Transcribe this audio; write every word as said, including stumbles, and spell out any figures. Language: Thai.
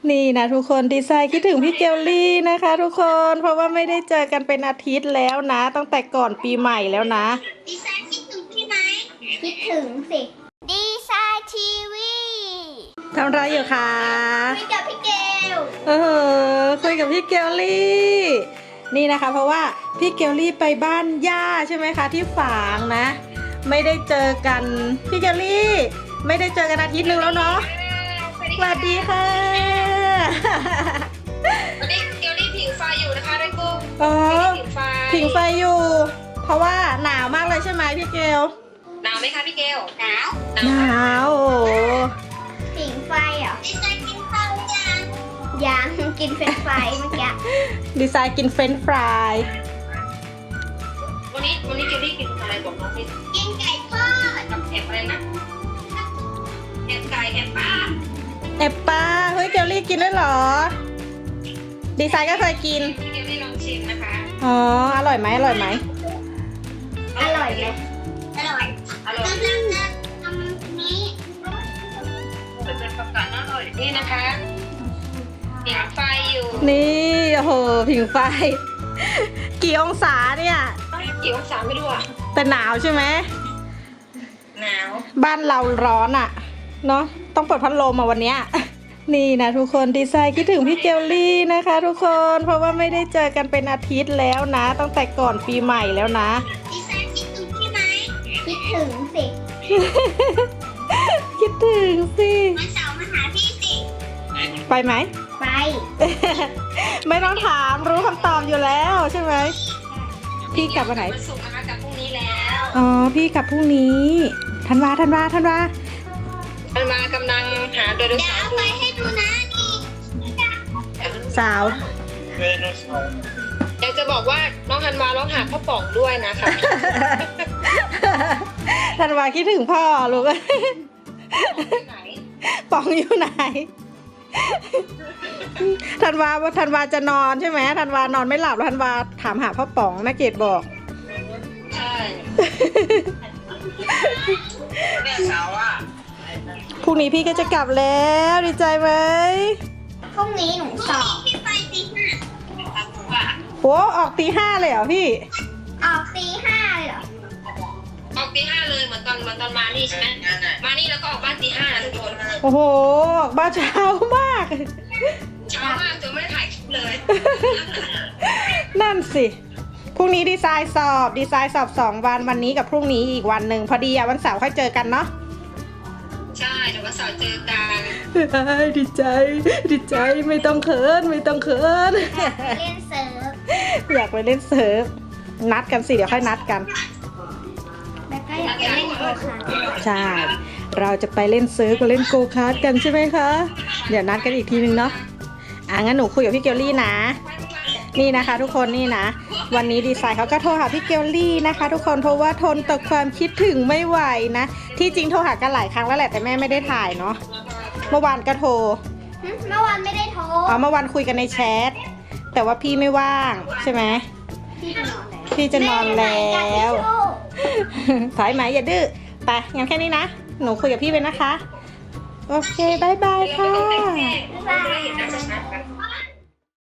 นี่นะทุกคนดีไซน์คิดถึงพี่เกลลี่นะคะทุกคนเพราะว่าไม่ได้เจอกันเป็นอาทิตย์แล้วนะตั้งแต่ก่อนปีใหม่แล้วนะดีไซน์คิดถึงพี่ไหมคิดถึงสิดีไซน์ทีวีทำอะไรอยู่คะคุยกับพี่เกลเออคุยกับพี่เกลลี่นี่นะคะเพราะว่าพี่เกลลี่ไปบ้านย่าใช่ไหมคะที่ฝางนะไม่ได้เจอกันพี่เกลลี่ไม่ได้เจอกันอาทิตย์นึงแล้วเนาะสวัสดีค่ะวันนี้เกลลี่ผิงไฟอยู่นะคะด้วยกุ้งอ๋อผิงไฟผิงไฟอยู่เพราะว่าหนาวมากเลยใช่ไหมพี่เกลหนาวไหมคะพี่เกลหนาวหนาวโอ้ผิงไฟเหรอดีไซน์กินข้าวยังยังกินเฟรนช์ฟรายเมื่อกี้ดีไซน์กินเฟรนช์ฟรายวันนี้วันนี้เกลลี่กินอะไรบอกน้องพี่กินไก่ทอดกับแอบอะไรนะแอบไก่แอบปลาแอบปลาเฮ้ยเกลลี่กินด้วยเหรอดีไซน์ก็เคยกินพี่เกลลี่ลองชิมนะคะอ๋ออร่อยไหมอร่อยไหมอร่อยไหมอร่อยอร่อยกำลังจะทำนี้เป็นประกาศอร่อยนี่นะคะผิงไฟอยู่นี่โอ้โหผิงไฟกี่องศาเนี่ยกี่องศาไม่รู้อ่ะแต่หนาวใช่ไหมหนาวบ้านเราร้อนอ่ะเนาะต้องเปิดพัดลมมาวันเนี้ยนี่นะทุกคนดีไซน์คิดถึงพี่เกลลี่นะคะทุกคนเพราะว่าไม่ได้เจอกันเป็นอาทิตย์แล้วนะตั้งแต่ก่อนปีใหม่แล้วนะดีไซน์คิดถึงพี่ไหมคิดถึงสิคิดถึงสิวันเสาร์มาหาพี่สิไปไหมไปไม่ต้องถามรู้คำตอบอยู่แล้วใช่ไหมพี่กลับวันไหนวันศุกร์นะคะกลับพรุ่งนี้แล้วอ๋อพี่กลับพรุ่งนี้ธันวาธันวาธันวาธันวากำลังหาโดยรสารไปให้ดูนะนี่สาวอยากจะบอกว่าน้องธันวาร้องหาพ่อป๋องด้วยนะคะธันวาคิดถึงพ่อลูกป๋องอยู่ไหนธันวาว่าธันวาจะนอนใช่ไหมธันวานอนไม่หลับแล้วธันวาถามหาพ่อป๋องแม่เกดบอกใช่เนี่ยสาวอ่ะพรุ่งนี้พี่ก็จะกลับแล้วดีใจไหมพรุ่งนี้หนูสอบพี่ไปตีห้าโอ้ออกตีห้าเลยเหรอพี่ออกตีห้าเลยเหรอออกตีห้าเลยเหมือนตอนเหมือนตอนมานี่ใช่ไหมมานี่แล้วก็ออกบ้านตีห้านะทุกคนโอ้โหออกบ้านเช้ามากเช้ามากจนไม่ได้ถ่ายคลิปเลยนั่นสิพรุ่งนี้ดีไซน์สอบดีไซน์สอบสองวันวันนี้กับพรุ่งนี้อีกวันหนึ่งพอดีอะวันเสาร์ค่อยเจอกันเนาะใช่เดี๋ยววันเสาร์เจอกันดีใจดีใจไม่ต้องเขินไม่ต้องเขินเล่นเซิร์ฟอยากไปเล่นเซิร์ฟนัดกันสิเดี๋ยวค่อยนัดกันแล้วก็อยากไปเล่นโกคาร์ทใช่เราจะไปเล่นเซิร์ฟกับเล่นโกคาร์ทกันใช่ไหมคะเดี๋ยวนัดกันอีกทีนึงเนาะอ่ะงั้นหนูคุยกับพี่เกลลี่นะนี่นะคะทุกคนนี่นะวันนี้ดีไซน์เขาก็โทรหาพี่เกลลี่นะคะทุกคนเพราะว่าทนต่อความคิดถึงไม่ไหวนะที่จริงโทรหากันหลายครั้งแล้วแหละแต่แม่ไม่ได้ถ่ายเนาะเมื่อวานก็โทรเมื่อวานไม่ได้โทรอ๋อเมื่อวานคุยกันในแชทแต่ว่าพี่ไม่ว่างใช่ไหมพี่จะนอนแล้วถอยไหมอย่าดื้อไปงั้นแค่นี้นะหนูคุยกับพี่ไปนะคะโอเคบายบายค่ะบ๊ายบาย